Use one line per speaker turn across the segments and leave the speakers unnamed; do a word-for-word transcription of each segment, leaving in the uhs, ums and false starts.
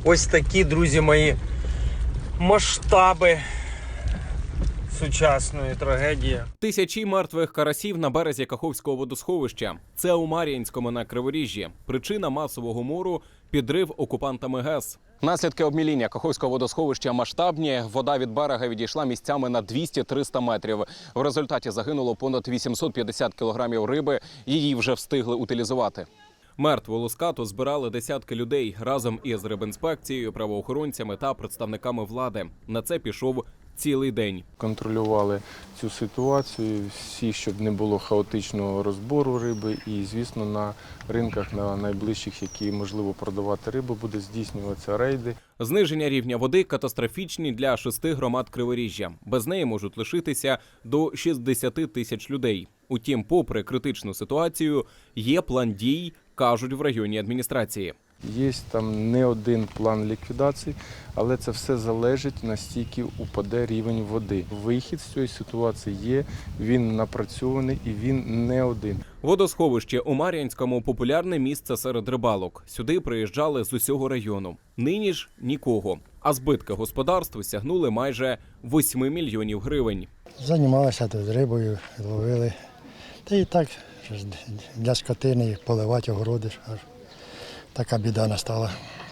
Ось такі, друзі мої, масштаби сучасної трагедії.
Тисячі мертвих карасів на березі Каховського водосховища. Це у Мар'їнському на Криворіжжі. Причина масового мору – підрив окупантами ГЕС. Наслідки обміління Каховського водосховища масштабні. Вода від берега відійшла місцями на двісті-триста метрів. В результаті загинуло понад вісімсот п'ятдесят кілограмів риби. Її вже встигли утилізувати. Мертву лускату збирали десятки людей разом із рибінспекцією, правоохоронцями та представниками влади. На це пішов цілий день.
Контролювали цю ситуацію, всі, щоб не було хаотичного розбору риби. І, звісно, на ринках, на найближчих, які можливо продавати рибу, буде здійснюватися рейди.
Зниження рівня води катастрофічні для шести громад Криворіжжя. Без неї можуть лишитися до шістдесяти тисяч людей. Утім, попри критичну ситуацію, є план дій, кажуть в районній адміністрації.
Є там не один план ліквідації, але це все залежить, настільки упаде рівень води. Вихід з цієї ситуації є, він напрацьований і він не один.
Водосховище у Мар'їнському – популярне місце серед рибалок. Сюди приїжджали з усього району. Нині ж – нікого. А збитки господарству сягнули майже восьми мільйонів гривень.
Займалися тут рибою, ловили. Та і так для скотини поливати огороди. Аж така біда настала.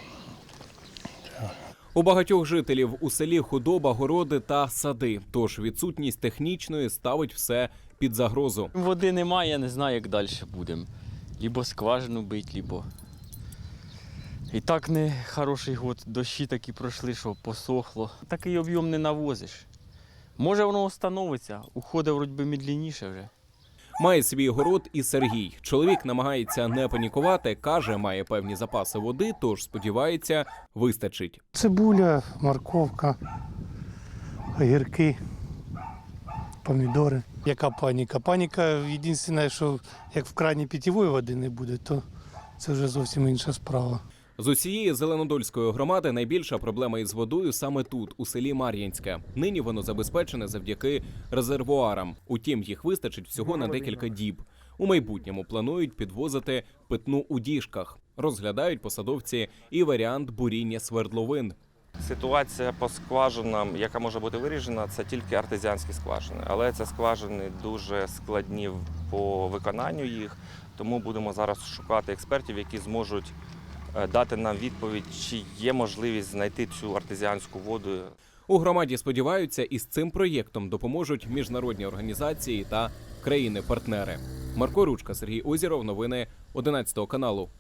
У багатьох жителів у селі худоба, городи та сади. Тож відсутність технічної ставить все під загрозу.
Води немає, я не знаю, як далі будемо. Лібо скважину бить, лібо... І так не хороший год, дощі такі пройшли, що посохло. Такий об'єм не навозиш. Може воно встановиться, уходить вроді би медленніше вже.
Має свій город і Сергій. Чоловік намагається не панікувати, каже, має певні запаси води, тож сподівається, вистачить.
Цибуля, морковка, огірки, помідори. Яка паніка? Паніка, єдине, що як в крані питьової води не буде, то це вже зовсім інша справа.
З усієї Зеленодольської громади найбільша проблема із водою саме тут, у селі Мар'їнське. Нині воно забезпечене завдяки резервуарам. Утім, їх вистачить всього на декілька діб. У майбутньому планують підвозити питну у діжках. Розглядають посадовці і варіант буріння свердловин.
Ситуація по скважинам, яка може бути вирішена, це тільки артезіанські скважини. Але це скважини дуже складні по виконанню їх, тому будемо зараз шукати експертів, які зможуть дати нам відповідь, чи є можливість знайти цю артезіанську воду.
У громаді сподіваються, із цим проєктом допоможуть міжнародні організації та країни-партнери. Марко Ручка, Сергій Озіров, новини одинадцятого каналу.